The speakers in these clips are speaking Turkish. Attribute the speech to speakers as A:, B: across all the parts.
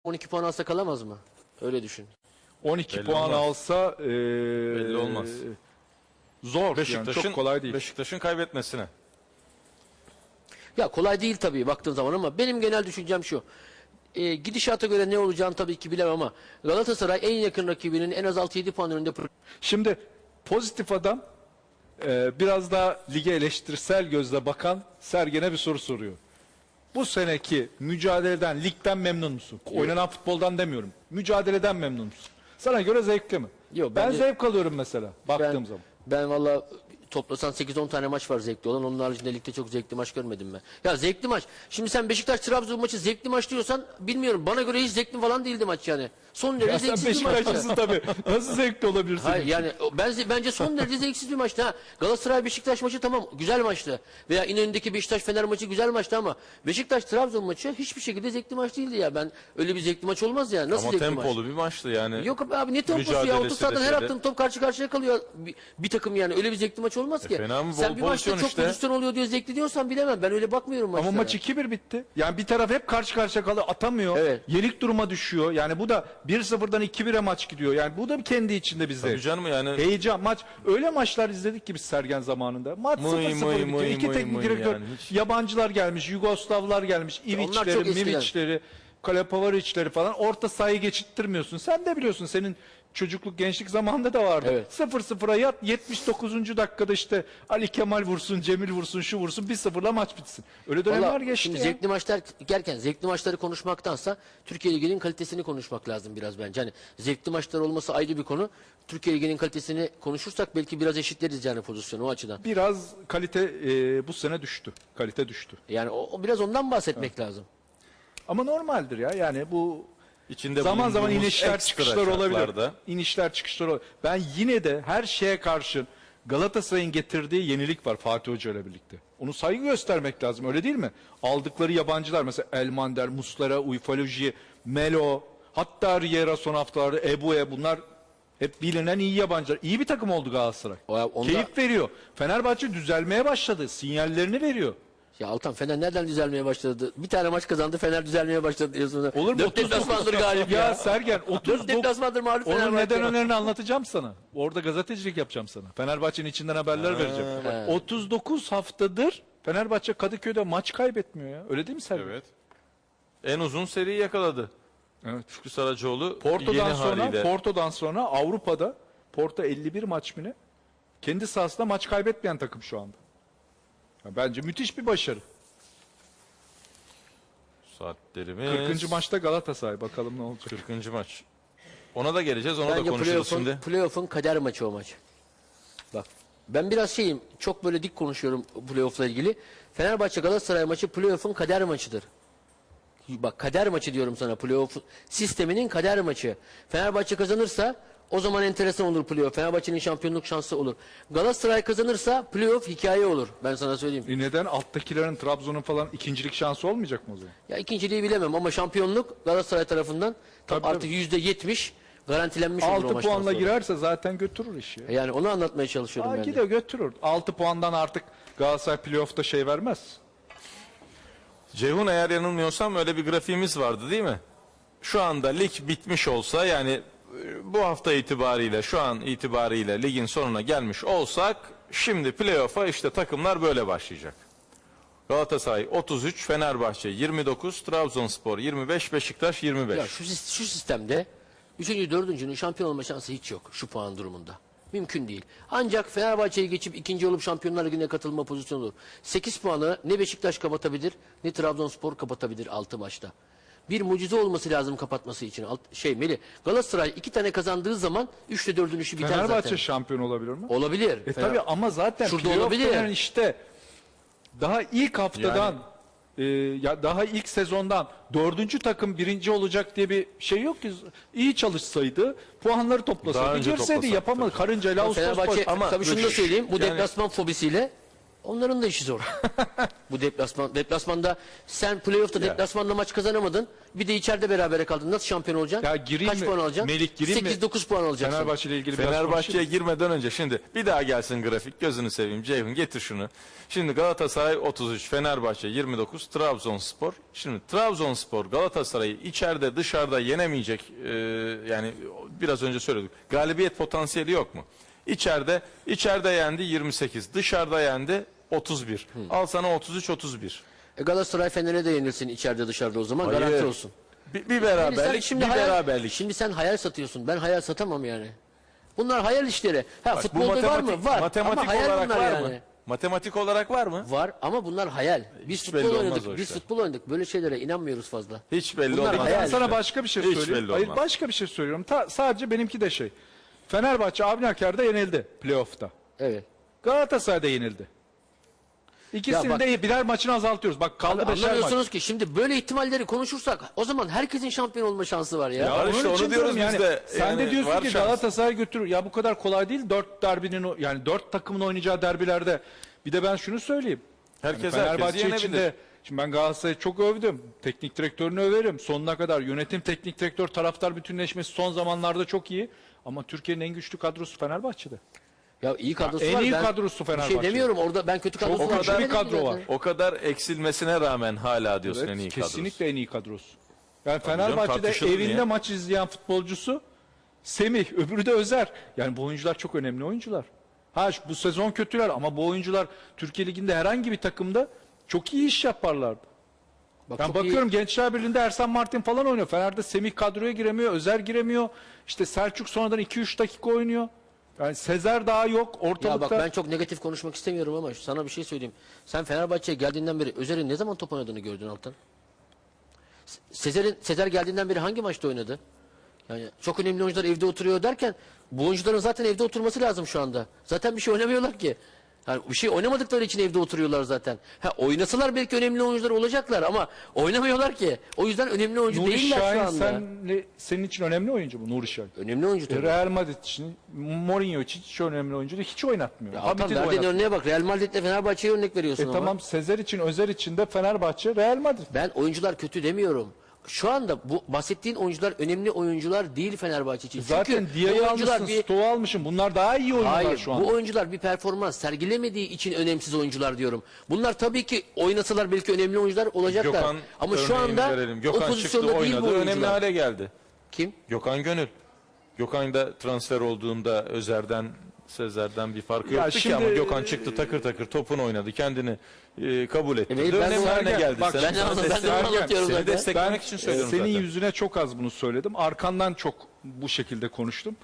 A: 12 puan alsa kalamaz mı? Öyle düşün.
B: 12
C: Belli
B: puan
C: olmaz.
B: alsa
C: Belli olmaz.
B: Zor yani, çok kolay değil.
C: Beşiktaş'ın kaybetmesine.
A: Ya kolay değil tabii baktığın zaman ama benim genel düşüncem şu. Gidişata göre ne olacağını tabii ki bilemem ama Galatasaray en yakın rakibinin en az 6-7 puan önünde.
B: Şimdi pozitif adam biraz daha lige eleştirisel gözle bakan Sergen'e bir soru soruyor. Bu seneki mücadeleden, ligden memnun musun? Oynanan futboldan demiyorum. Mücadeleden memnun musun? Sana göre zevkli mi?
A: Yok,
B: ben
A: bence-
B: zevk alıyorum mesela baktığım zaman.
A: Ben valla toplasan 8-10 tane maç var zevkli olan. Onun haricinde ligde çok zevkli maç görmedim ben. Ya zevkli maç. Şimdi sen Beşiktaş-Trabzon maçı zevkli maç diyorsan bilmiyorum. Bana göre hiç zevkli falan değildi maç yani. Son derece
B: Ya sen
A: zevksiz bir maçtı.
B: Beşiktaşlısın tabii. Nasıl zevkli olabilirsin?
A: Hayır yani bence son derece zevksiz bir maçtı ha. Galatasaray Beşiktaş maçı tamam güzel maçtı. Veya İnönü'ndeki Beşiktaş Fener maçı güzel maçtı ama Beşiktaş Trabzon maçı hiçbir şekilde zevkli maç değildi ya. Ben öyle bir zevkli maç olmaz ya. Nasıl
C: Ama
A: zevkli maç?
C: tempolu bir maçtı yani.
A: Yok abi ne temposu ya?
C: Mücadelesi
A: 30 saatten
C: de
A: her
C: şeyde.
A: attığın top karşı karşıya kalıyor bir takım yani. Öyle bir zevkli maç olmaz ki.
C: fena mı?
A: Sen
C: Bol
A: bir maçta
C: pozisyon
A: çok
C: işte.
A: pozisyon oluyor diye zevkli diyorsan bilemem. Ben öyle bakmıyorum maçlara.
B: Ama maç 2-1 bitti. Yani bir taraf hep karşı karşıya kalıyor, atamıyor.
A: Evet.
B: Yenik duruma düşüyor. Yani bu da 1-0'dan 2-1'e maç gidiyor. Yani bu da kendi içinde bir zevk.
C: Tabii canım yani.
B: Heyecan, maç. Öyle maçlar izledik ki biz Sergen zamanında. Maç
C: Mıy,
B: 0-0
C: mıy,
B: bitiyor.
C: mıy,
B: İki
C: mıy,
B: teknik
C: mıy
B: direktör,
C: yani hiç.
B: yabancılar gelmiş, Yugoslavlar gelmiş,
A: Onlar
B: İviçleri,
A: çok eskiden.
B: Miviçleri, Kalepavaric'leri falan. Orta sahayı geçittirmiyorsun. Sen de biliyorsun senin çocukluk, gençlik zamanında da vardı.
A: Evet.
B: 0-0'a yat, 79. dakikada işte Ali Kemal vursun, Cemil vursun, şu vursun, 1-0'la maç bitsin. Öyle dönemler
A: Vallahi
B: geçti
A: şimdi
B: ya.
A: zevkli maçlar derken zevkli maçları konuşmaktansa Türkiye Ligi'nin kalitesini konuşmak lazım biraz bence. Hani zevkli maçlar olması ayrı bir konu. Türkiye Ligi'nin kalitesini konuşursak belki biraz eşitleriz yani pozisyonu o açıdan.
B: Biraz kalite bu sene düştü. Kalite düştü.
A: Yani o biraz ondan bahsetmek lazım.
B: Ama normaldir ya. Yani bu
C: İçinde
B: zaman zaman
C: bulunduğumuz
B: inişler
C: ekstra
B: çıkışlar olabilir.
C: şartlarda.
B: İnişler çıkışlar olabilir. Ben yine de her şeye karşın Galatasaray'ın getirdiği yenilik var Fatih Hoca ile birlikte. Onu saygı göstermek lazım, öyle değil mi? Aldıkları yabancılar mesela Elmander, Muslera, Ufaloji, Melo, hatta Riera son haftalarda, Ebu'ye, bunlar hep bilinen iyi yabancılar. İyi bir takım oldu Galatasaray.
A: Onda-
B: Keyif veriyor. Fenerbahçe düzelmeye başladı. Sinyallerini veriyor.
A: Ya Altan Fener nereden düzelmeye başladı? Bir tane maç kazandı Fener düzelmeye başladı diyorsun.
B: Olur mu?
A: 4 deplasmandır galip ya.
B: Ya Sergen
A: 4 deplasmandır mağlup
B: Onun
A: Fenerbahçe.
B: neden önerini anlatacağım sana. Orada gazetecilik yapacağım sana. Fenerbahçe'nin içinden haberler vereceğim.
A: bak.
B: 39 haftadır Fenerbahçe Kadıköy'de maç kaybetmiyor ya. Öyle değil mi Sergen?
C: Evet. En uzun seriyi yakaladı.
B: Evet.
C: Şükrü Saracoğlu
B: Porto'dan
C: yeni
B: sonra
C: haliyle.
B: Porto'dan sonra Avrupa'da Porto 51 maç mı ne? Kendi sahasında maç kaybetmeyen takım şu anda. Ya bence müthiş bir başarı.
C: Saatlerimiz.
B: 40. maçta Galatasaray, bakalım ne olacak.
C: 40. maç. Ona da geleceğiz. Onu da
A: Bence
C: konuşuruz şimdi.
A: playoff'un kader maçı o maç. Bak ben biraz şeyim çok böyle dik konuşuyorum playoff'la ilgili. Fenerbahçe Galatasaray maçı playoff'un kader maçıdır. Bak kader maçı diyorum sana, playoff sisteminin kader maçı. Fenerbahçe kazanırsa o zaman enteresan olur playoff. Fenerbahçe'nin şampiyonluk şansı olur. Galatasaray kazanırsa playoff hikaye olur. Ben sana söyleyeyim.
B: Neden? Alttakilerin, Trabzon'un falan ikincilik şansı olmayacak mı o zaman?
A: Ya ikinciliği bilemem ama şampiyonluk Galatasaray tarafından
B: Tabii,
A: artık %70 garantilenmiş olur o
B: 6
A: maçtan
B: puanla
A: sonra.
B: girerse zaten götürür işi. Ya.
A: Yani onu anlatmaya çalışıyorum ben de.
B: Gidiyor, götürür. 6 puandan artık Galatasaray playoff'ta şey vermez.
C: Ceyhun, eğer yanılmıyorsam öyle bir grafiğimiz vardı değil mi? Şu anda lig bitmiş olsa, yani bu hafta itibariyle, şu an itibariyle ligin sonuna gelmiş olsak, şimdi playoff'a işte takımlar böyle başlayacak. Galatasaray 33, Fenerbahçe 29, Trabzonspor 25, Beşiktaş 25.
A: Ya şu sistemde 3. 4.'nün şampiyon olma şansı hiç yok şu puan durumunda. Mümkün değil. Ancak Fenerbahçe'yi geçip ikinci olup Şampiyonlar Ligi'ne katılma pozisyonu olur. 8 puanı ne Beşiktaş kapatabilir ne Trabzonspor kapatabilir 6 maçta. Bir mucize olması lazım kapatması için. Melih, Galatasaray 2 tane kazandığı zaman 3'te 4'ün işi biter
B: Fenerbahçe
A: zaten.
B: şampiyon olabilir mi?
A: Olabilir.
B: Tabii ama zaten
A: Şurada
B: playoff
A: olabilir.
B: denen işte daha ilk haftadan ya daha ilk sezondan 4. takım birinci olacak diye bir şey yok ki. İyi çalışsaydı, puanları
C: Daha
B: toplasaydı,
C: önce
B: girseydi,
C: toplasak
B: yapamadı.
C: tabii.
B: Karıncayla Ağustos
A: Fenerbahçe
B: başı.
A: ama tabii şunu da söyleyeyim. Bu
C: yani-
A: deplasman fobisiyle Onların da işi zor. Bu deplasmanda sen playoff'ta deplasmanda maç kazanamadın. Bir de içeride berabere kaldın. Nasıl şampiyon olacaksın?
B: Ya gireyim
A: Kaç
B: mi?
A: puan alacaksın?
B: Melih, gireyim mi?
A: 8-9 puan alacaksın.
B: Fenerbahçe ile ilgili biraz
C: Fenerbahçe'ye
B: konuşayım.
C: girmeden önce şimdi bir daha gelsin grafik. Gözünü seveyim Ceyhun, getir şunu. Şimdi Galatasaray 33, Fenerbahçe 29, Trabzonspor. Şimdi Trabzonspor Galatasaray'ı içeride dışarıda yenemeyecek, yani biraz önce söyledik. Galibiyet potansiyeli yok mu? İçeride yendi 28, dışarıda yendi 31. Al sana 33-31.
A: Galatasaray Fener'e de yenilsin içeride dışarıda o zaman
C: Hayır.
A: garanti olsun.
C: Bir beraberlik, bir beraberlik.
A: Şimdi sen hayal satıyorsun. Ben hayal satamam yani. Bunlar hayal işleri. Ha,
C: Bak, bu
A: futbolda var mı? Var.
C: matematik
A: Ama hayal
C: olarak
A: bunlar
C: var
A: yani.
C: mı? Matematik olarak var mı?
A: Var ama bunlar hayal. Biz
C: Hiç
A: futbol
C: belli olmaz
A: oynadık.
C: o
A: Biz
C: işler.
A: futbol oynadık. Böyle şeylere inanmıyoruz fazla.
C: Hiç belli
A: Bunlar
C: olmaz.
A: hayal.
B: Ben sana başka bir şey
C: Hiç
B: söyleyeyim.
C: belli
B: Hayır,
C: olmaz.
B: başka bir şey söylüyorum. Sadece benimki de şey. Fenerbahçe Avniaker'de yenildi playoff'ta.
A: Evet.
B: Galatasaray'da yenildi. İkisinin
A: bak-
B: de birer maçını azaltıyoruz. Bak kaldı
A: Abi,
B: beşer maç.
A: anlamıyorsunuz ki şimdi böyle ihtimalleri konuşursak o zaman herkesin şampiyon olma şansı var ya.
B: Ya
C: Var işte,
B: onun
C: onu
B: için
C: diyoruz
B: diyorum
C: biz de.
B: Sen
C: Yani
B: de diyorsun
C: var
B: ki
C: şans.
B: Galatasaray götürür. Ya bu kadar kolay değil. 4 derbinin yani 4 takımın oynayacağı derbilerde. Bir de ben şunu söyleyeyim.
C: Herkes
B: Fenerbahçe
C: herkesi yenebilir.
B: içinde şimdi ben Galatasaray'ı çok övdüm. Teknik direktörünü överim. Sonuna kadar yönetim, teknik direktör, taraftar bütünleşmesi son zamanlarda çok iyi. Ama Türkiye'nin en güçlü kadrosu Fenerbahçe'de.
A: Ya iyi kadrosu
B: En
A: var.
B: iyi
A: Ben
B: kadrosu
A: bir
B: Fenerbahçe.
A: şey demiyorum orada ben kötü kadrosu
B: Çok
A: var
B: güçlü bir
A: demedim
B: kadro
A: zaten.
B: var.
C: O kadar eksilmesine rağmen hala diyorsun
B: Evet,
C: en iyi kadrosu.
B: kesinlikle en iyi kadrosu. Yani
C: canım,
B: Fenerbahçe'de
C: tartışılır mı
B: evinde
C: ya?
B: maç izleyen futbolcusu Semih, öbürü de Özer. Yani bu oyuncular çok önemli oyuncular. Bu sezon kötüler ama bu oyuncular Türkiye Ligi'nde herhangi bir takımda çok iyi iş yaparlardı.
A: Bak,
B: Ben
A: çok
B: bakıyorum
A: iyi.
B: Gençler Birliği'nde Ersan Martin falan oynuyor. Fener'de Semih kadroya giremiyor, Özer giremiyor. İşte Selçuk sonradan 2-3 dakika oynuyor. Yani Sezer daha yok
A: Ya
B: ortalıkta.
A: bak ben çok negatif konuşmak istemiyorum ama sana bir şey söyleyeyim. Sen Fenerbahçe'ye geldiğinden beri Özer'in ne zaman top oynadığını gördün Altan? Sezer geldiğinden beri hangi maçta oynadı? Yani çok önemli oyuncular evde oturuyor derken bu oyuncuların zaten evde oturması lazım şu anda. Zaten bir şey oynamıyorlar ki. Yani bir şey oynamadıkları için evde oturuyorlar zaten. Ha oynasalar belki önemli oyuncular olacaklar ama oynamıyorlar ki. O yüzden önemli oyuncu
B: Nuri
A: değiller şu
B: Şahin
A: anda.
B: senin için önemli oyuncu bu Nuri Şahin.
A: Önemli oyuncu tabii.
B: Real Madrid için, Mourinho için hiç önemli oyuncu değil. Hiç oynatmıyor.
A: Altan
B: Hamit'i de
A: verdiğin
B: oynatmıyor.
A: örneğe bak. Real Madrid'le Fenerbahçe'ye örnek veriyorsun ama.
B: Tamam Sezer için, Özer için de Fenerbahçe, Real Madrid.
A: Ben oyuncular kötü demiyorum. Şu anda bu bahsettiğin oyuncular önemli oyuncular değil Fenerbahçe için.
B: Zaten
A: Çünkü bu
B: Dia'yı
A: oyuncular
B: almışsın, Stoğ'u almışsın. Bunlar daha iyi oyuncular
A: hayır,
B: şu anda.
A: bu oyuncular bir performans sergilemediği için önemsiz oyuncular diyorum. Bunlar tabii ki oynasalar belki önemli oyuncular olacaklar.
C: Gökhan
A: Ama şu
C: örneğini
A: anda
C: verelim.
A: o
C: Gökhan çıktı
A: pozisyonda değil bu
C: oynadı, önemli
A: oyuncular.
C: hale geldi.
A: Kim?
C: Gökhan Gönül. Gökhan da transfer olduğunda Özer'den, Sezer'den bir farkı
B: Ya
C: yoktu ki
B: şimdi-
C: ama Gökhan çıktı takır takır topunu oynadı. Kendini kabul etti.
A: Evet, ben
C: önemli
A: de-
C: haline geldi.
B: Bak,
C: Sen-
A: Ben de
C: sana
A: onu- ben de onu
C: destek-
A: anlatıyorum
C: Seni
A: zaten.
C: desteklemek için söylüyorum
B: senin
C: zaten.
B: yüzüne çok az bunu söyledim. Arkandan çok bu şekilde konuştum.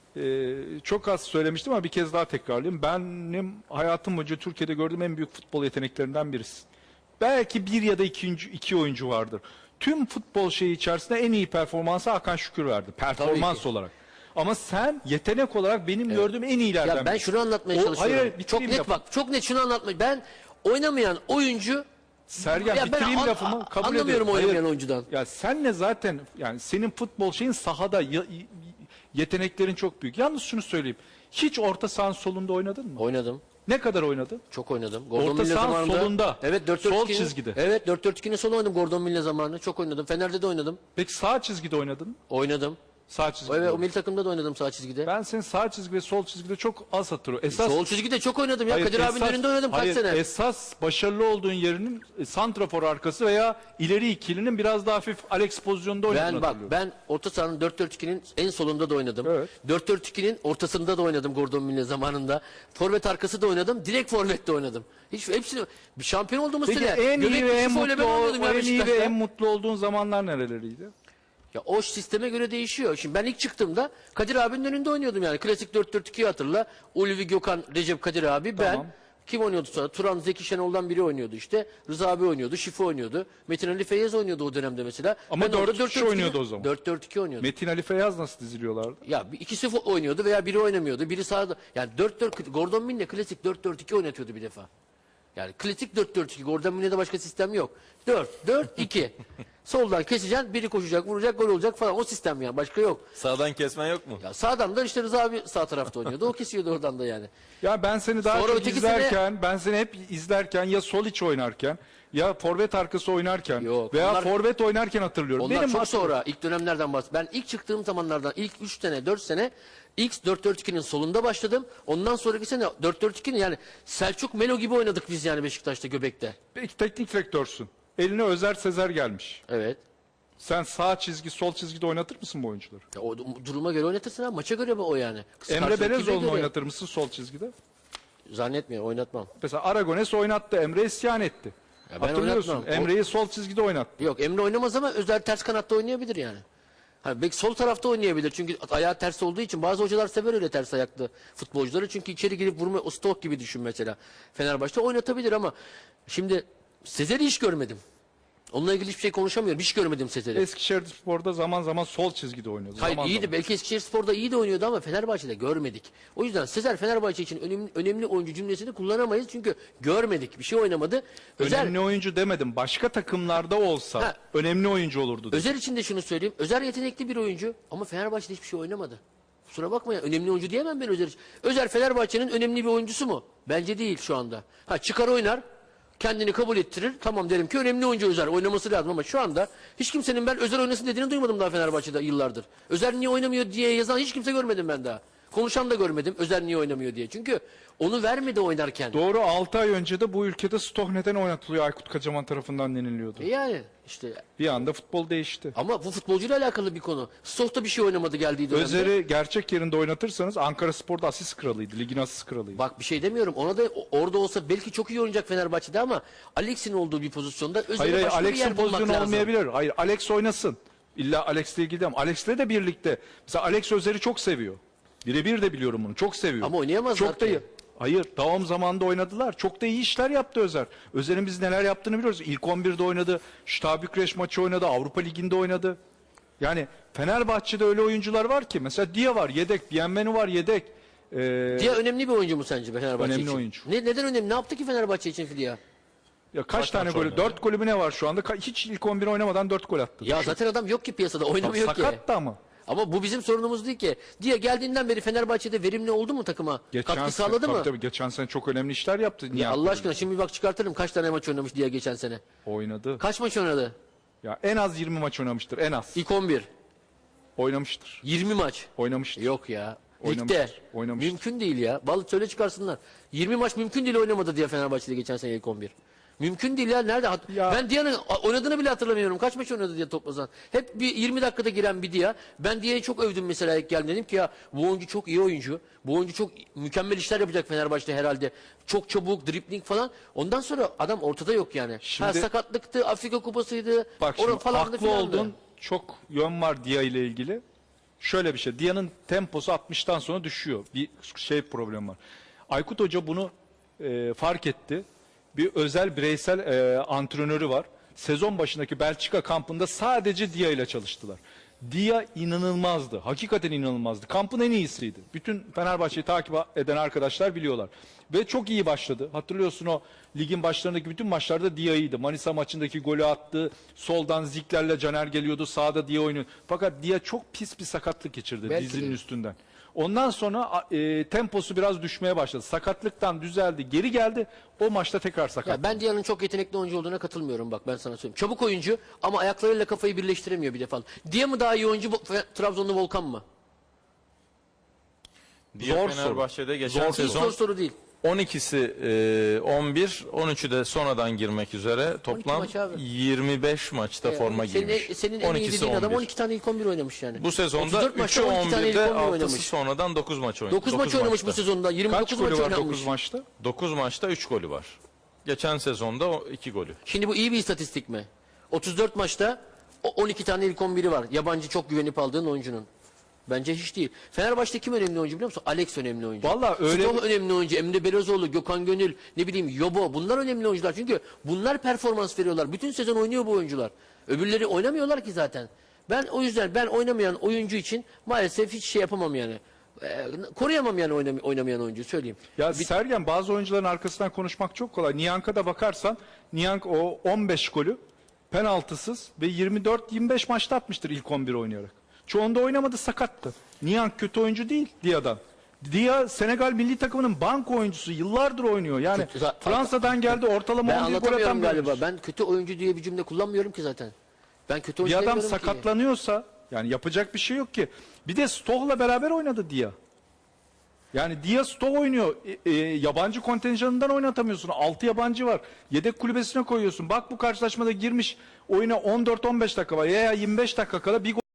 B: Çok az söylemiştim ama bir kez daha tekrarlayayım. Benim hayatım boyunca Türkiye'de gördüğüm en büyük futbol yeteneklerinden birisi. Belki bir ya da iki oyuncu vardır. Tüm futbol şeyi içerisinde en iyi performansı Hakan Şükür verdi. Performans
A: ki.
B: olarak. Ama sen yetenek olarak benim gördüğüm en iyilerden
A: Ya ben
B: biri.
A: şunu anlatmaya
B: O-
A: çalışıyorum.
B: hayır,
A: çok
B: bitireyim
A: net
B: lafımı.
A: bak. Çok net şunu anlatmaya. Ben oynamayan oyuncu
B: Sergen
A: Ya ben
B: bitireyim
A: an-
B: lafımı kabul
A: anlamıyorum
B: ediyorum. Hayır.
A: oynamayan oyuncudan.
B: Ya senle zaten yani senin futbol şeyin sahada yeteneklerin çok büyük. Yalnız şunu söyleyeyim. Hiç orta sahanın solunda oynadın mı?
A: Oynadım.
B: Ne kadar oynadın?
A: Çok oynadım.
B: Orta
A: Mille
B: sahanın
A: zamanında.
B: solunda.
A: Evet 4
B: Sol çizgide.
A: Evet 4-4-2'nin solu oynadım Gordon Mille zamanında. Çok oynadım. Fener'de de oynadım.
B: Peki sağ çizgide oynadın mı?
A: Oynadım.
B: Sağ çizgide.
A: Evet o
B: oynadın.
A: milli takımda da oynadım sağ çizgide.
B: Ben senin sağ çizgi ve sol çizgide çok az hatırlıyorum. Esas
A: Sol çizgide çok oynadım ya.
B: Hayır,
A: Kadir abinin
B: esas-
A: önünde oynadım kaç
B: hayır,
A: sene.
B: Esas başarılı olduğun yerinin santrafor arkası veya ileri ikilinin biraz daha hafif Alex pozisyonunda oynadığını
A: Ben bak
B: hatırlıyorum.
A: ben orta sahanın 4-4-2'nin en solunda da oynadım.
B: Evet.
A: 4-4-2'nin ortasında da oynadım Gordon Mille zamanında. Forvet arkası da oynadım. Direkt forvette oynadım. Hepsini bir şampiyon olduğumuz
B: Peki
A: sene.
B: en iyi
A: Göbekli
B: ve en
A: Şifo ile ben
B: mutlu
A: oynuyordum ya
B: en iyi ve
A: Beşiktaş'ta.
B: en mutlu olduğun zamanlar nereleriydi?
A: Ya o sisteme göre değişiyor. Şimdi ben ilk çıktığımda Kadir abinin önünde oynuyordum yani. Klasik 4-4-2'yi hatırla. Ulvi Gökhan, Recep Kadir abi, ben.
B: Tamam.
A: Kim oynuyordu sonra? Turan, Zeki Şenol'dan biri oynuyordu işte. Rıza abi oynuyordu, Şifo oynuyordu. Metin Ali Feyyaz oynuyordu o dönemde mesela.
B: Ama
A: Ben orada
B: 4-3 oynuyordu o zaman.
A: 4-4-2 oynuyordu.
B: Metin Ali Feyyaz nasıl diziliyorlardı?
A: Ya ikisi oynuyordu veya biri oynamıyordu. Biri sağda. Yani 4-4 Gordon Mille klasik 4-4-2 oynatıyordu bir defa. Yani klasik 4-4-2. Gordon Münih'de başka sistem yok. 4-4-2. Soldan keseceksin, biri koşacak, vuracak, gol olacak falan. O sistem yani. Başka yok.
C: Sağdan kesmen yok mu?
A: Ya sağdan da işte Rıza abi sağ tarafta oynuyordu. O kesiyordu oradan da yani.
B: Ya ben seni daha
A: Sonra
B: çok
A: ötekisine-
B: izlerken, ben seni hep izlerken ya sol iç oynarken ya forvet arkası oynarken
A: Yok,
B: veya
A: onlar-
B: forvet oynarken hatırlıyorum.
A: Onlar
B: Benim
A: çok
B: hatırladığım-
A: sonra ilk dönemlerden bahsediyorum. Ben ilk çıktığım zamanlardan ilk 3 sene 4 sene ilk 4-4-2'nin solunda başladım. Ondan sonraki sene 4-4-2'nin yani Selçuk Melo gibi oynadık biz yani Beşiktaş'ta Göbek'te.
B: Peki teknik direktörsün. Eline Özer Sezer gelmiş.
A: Evet.
B: Sen sağ çizgi, sol çizgide oynatır mısın bu oyuncuları?
A: Ya o duruma göre oynatırsın ha. Maça göre o yani.
B: Emre
A: Karşılıklı
B: Belezoğlu'nu
A: göre.
B: oynatır mısın sol çizgide?
A: Zannetmiyorum oynatmam.
B: Mesela Aragones oynattı, Emre isyan etti.
A: Ya ben
B: Hatırlıyorsun.
A: oynatmam.
B: Emre'yi sol çizgide oynattı.
A: Yok Emre oynamaz ama Özer ters kanatta oynayabilir yani. Hani belki sol tarafta oynayabilir çünkü ayağı ters olduğu için bazı hocalar sever öyle ters ayaklı futbolcuları çünkü içeri girip vurma o stok gibi düşün mesela. Fenerbahçe oynatabilir ama şimdi Sezer'i hiç görmedim. Onunla ilgili hiçbir şey konuşamıyorum. Hiç görmedim Sezer'i.
B: Eskişehirspor'da zaman zaman sol çizgide oynuyordu.
A: Hayır
B: Zaman
A: iyiydi.
B: zaman.
A: Belki Eskişehirspor'da iyi de oynuyordu ama Fenerbahçe'de görmedik. O yüzden Sezer Fenerbahçe için önemli oyuncu cümlesini kullanamayız çünkü görmedik. Bir şey oynamadı. Özer,
B: Önemli oyuncu demedim. Başka takımlarda olsa
A: Ha.
B: önemli oyuncu olurdu. dedim.
A: Özer için de şunu söyleyeyim. Özer yetenekli bir oyuncu ama Fenerbahçe'de hiçbir şey oynamadı. Kusura bakma ya önemli oyuncu diyemem ben Özer için. Özer Fenerbahçe'nin önemli bir oyuncusu mu? Bence değil şu anda. Ha çıkar oynar. Kendini kabul ettirir. Tamam derim ki önemli oyuncu Özer. Oynaması lazım ama şu anda hiç kimsenin ben Özer oynasın dediğini duymadım daha Fenerbahçe'de yıllardır. Özer niye oynamıyor diye yazan hiç kimse görmedim ben daha. Konuşan da görmedim Özer niye oynamıyor diye. Çünkü onu vermedi oynarken.
B: Doğru 6 ay önce de bu ülkede Stoh neden oynatılıyor Aykut Kocaman tarafından deniliyordu.
A: Yani işte
B: Bir anda futbol değişti.
A: ama bu futbolcuyla alakalı bir konu. Stok'ta bir şey oynamadı geldiği dönemde.
B: Özer'i gerçek yerinde oynatırsanız Ankara Spor'da asist kralıydı. Ligin asist kralıydı.
A: Bak bir şey demiyorum. Ona da orada olsa belki çok iyi oynayacak Fenerbahçe'de ama Alex'in olduğu bir pozisyonda
B: Hayır
A: Özer'e
B: hayır
A: başka bir
B: Alex'in
A: yer bulmak
B: pozisyonu
A: lazım.
B: olmayabilir. Hayır Alex oynasın. İlla Alex'le ilgili değil ama Alex'le de birlikte. Mesela Alex Özer'i çok seviyor. Birebir de biliyorum bunu. Çok seviyor.
A: Ama oynayamazlar
B: Çok da
A: ki.
B: iyi. Hayır, devam zamanında oynadılar. Çok da iyi işler yaptı Özer. Özer'in biz neler yaptığını biliyoruz. İlk 11'de oynadı. Şta Bükreş maçı oynadı. Avrupa Ligi'nde oynadı. Yani Fenerbahçe'de öyle oyuncular var ki. Mesela Dia var yedek. Bienvenu var yedek.
A: Dia önemli bir oyuncu mu sence Fenerbahçe
B: Önemli
A: için?
B: oyuncu.
A: Neden önemli? Ne yaptı ki Fenerbahçe için Dia?
B: Ya kaç
C: Kaç
B: tane
C: maç
B: golü?
C: oynadı?
B: 4 golü mü ne var şu anda? Hiç ilk 11 oynamadan 4 gol attı.
A: Ya zaten adam yok ki piyasada oynamıyor ki.
B: Sakat da ama.
A: Ama bu bizim sorunumuz değil ki. Dia geldiğinden beri Fenerbahçe'de verimli oldu mu takıma? Katkı sağladı
B: tabii,
A: mı?
B: tabii, geçen sene çok önemli işler yaptı. Niye
A: Ya Allah
B: yaptı?
A: aşkına şimdi bir bak çıkartırım kaç tane maç oynamış Dia geçen sene.
B: Oynadı.
A: Kaç maç oynadı?
B: Ya en az 20 maç oynamıştır. En az.
A: İlk 11.
B: Oynamıştır.
A: 20 maç.
B: Oynamıştır.
A: Yok ya. Ligde.
B: Oynamıştır, oynamıştır.
A: Mümkün değil ya. Balık söyle çıkarsınlar. 20 maç mümkün değil oynamadı diye Fenerbahçe'de geçen sene ilk 11. Mümkün değil ya. Nerede?
B: Ya-
A: Ben Dia'nın oynadığını bile hatırlamıyorum. Kaç maç oynadı diye toplasan. Hep bir 20 dakikada giren bir Dia. Ben Dia'yı çok övdüm mesela ilk geldim. Dedim ki ya bu oyuncu çok iyi oyuncu. Bu oyuncu çok mükemmel işler yapacak Fenerbahçe'de herhalde. Çok çabuk, dribling falan. Ondan sonra adam ortada yok yani.
B: Şimdi-
A: sakatlıktı, Afrika kupasıydı.
B: Bak
A: orada
B: şimdi
A: falandı
B: haklı
A: filandı.
B: oldun. Çok yön var Dia ile ilgili. Şöyle bir şey. Dia'nın temposu 60'tan sonra düşüyor. Bir şey problem var. Aykut Hoca bunu fark etti. Bir özel bireysel antrenörü var. Sezon başındaki Belçika kampında sadece Dia ile çalıştılar. Dia inanılmazdı. Hakikaten inanılmazdı. Kampın en iyisiydi. Bütün Fenerbahçe'yi takip eden arkadaşlar biliyorlar. Ve çok iyi başladı. Hatırlıyorsun o ligin başlarındaki bütün maçlarda Dia iyiydi. Manisa maçındaki golü attı. Soldan Zikler'le Caner geliyordu. Sağda Dia oynuyor. Fakat Dia çok pis bir sakatlık geçirdi
A: Belki
B: dizinin
A: de.
B: üstünden. Ondan sonra temposu biraz düşmeye başladı. Sakatlıktan düzeldi. Geri geldi. O maçta tekrar sakat.
A: Ya ben Dia'nın çok yetenekli oyuncu olduğuna katılmıyorum bak ben sana söyleyeyim. Çabuk oyuncu ama ayaklarıyla kafayı birleştiremiyor bir defa. Dia mı daha iyi oyuncu Trabzonlu Volkan mı?
C: Dia
B: Zor
C: Fenerbahçe'de geçen
B: Zor
A: Hiç
C: sezon
A: zor soru değil.
C: 12'si 11, 13'ü de sonradan girmek üzere toplam
A: maç abi.
C: 25 maçta forma giymiş.
A: Senin en iyi
C: 12'si
A: dediğin adam
C: 11.
A: 12 tane ilk 11 oynamış yani.
C: Bu sezonda
A: 34
C: 3'ü
A: maçta 12 tane ilk
C: 11'de
A: 11
C: 6'sı
A: oynamış.
C: sonradan 9 maç oynadı.
A: 9 maç oynamış bu
C: maçta.
A: sezonda. 29
B: Kaç
A: maç
B: golü var
A: oynanmış.
B: 9 maçta?
C: 9 maçta 3 golü var. Geçen sezonda 2 golü.
A: Şimdi bu iyi bir istatistik mi? 34 maçta 12 tane ilk 11'i var. Yabancı çok güvenip aldığın oyuncunun. Bence hiç değil. Fenerbahçe'de kim önemli oyuncu biliyor musun? Alex önemli oyuncu.
B: Vallahi öyle-
A: Stoh önemli oyuncu. Emre Belözoğlu, Gökhan Gönül, ne bileyim Yobo. Bunlar önemli oyuncular. Çünkü bunlar performans veriyorlar. Bütün sezon oynuyor bu oyuncular. Öbürleri oynamıyorlar ki zaten. Ben o yüzden oynamayan oyuncu için maalesef hiç şey yapamam yani. Koruyamam yani oynamayan oyuncu söyleyeyim.
B: Ya Sergen, bazı oyuncuların arkasından konuşmak çok kolay. Niyank'a da bakarsan Niyank o 15 golü penaltısız ve 24-25 maçta atmıştır ilk 11 oynayarak. Çoğunda oynamadı, sakattı. Niyank kötü oyuncu değil Dia'dan. Dia Senegal milli takımının banko oyuncusu, yıllardır oynuyor. Yani Fransa'dan geldi, ortalama
A: Ben
B: 11 gol atan
A: anlatamıyorum
B: bir
A: galiba.
B: oyuncu.
A: Ben kötü oyuncu diye bir cümle kullanmıyorum ki zaten. Ben kötü oyuncu
B: Bir adam
A: demiyorum ki.
B: sakatlanıyorsa yani yapacak bir şey yok ki. Bir de Stoh'la beraber oynadı Dia. Yani Dia Stoh oynuyor. Yabancı kontenjanından oynatamıyorsun. 6 yabancı var. Yedek kulübesine koyuyorsun. Bak bu karşılaşmada girmiş oyuna 14-15 dakika var. Ya 25 dakika kala bir gol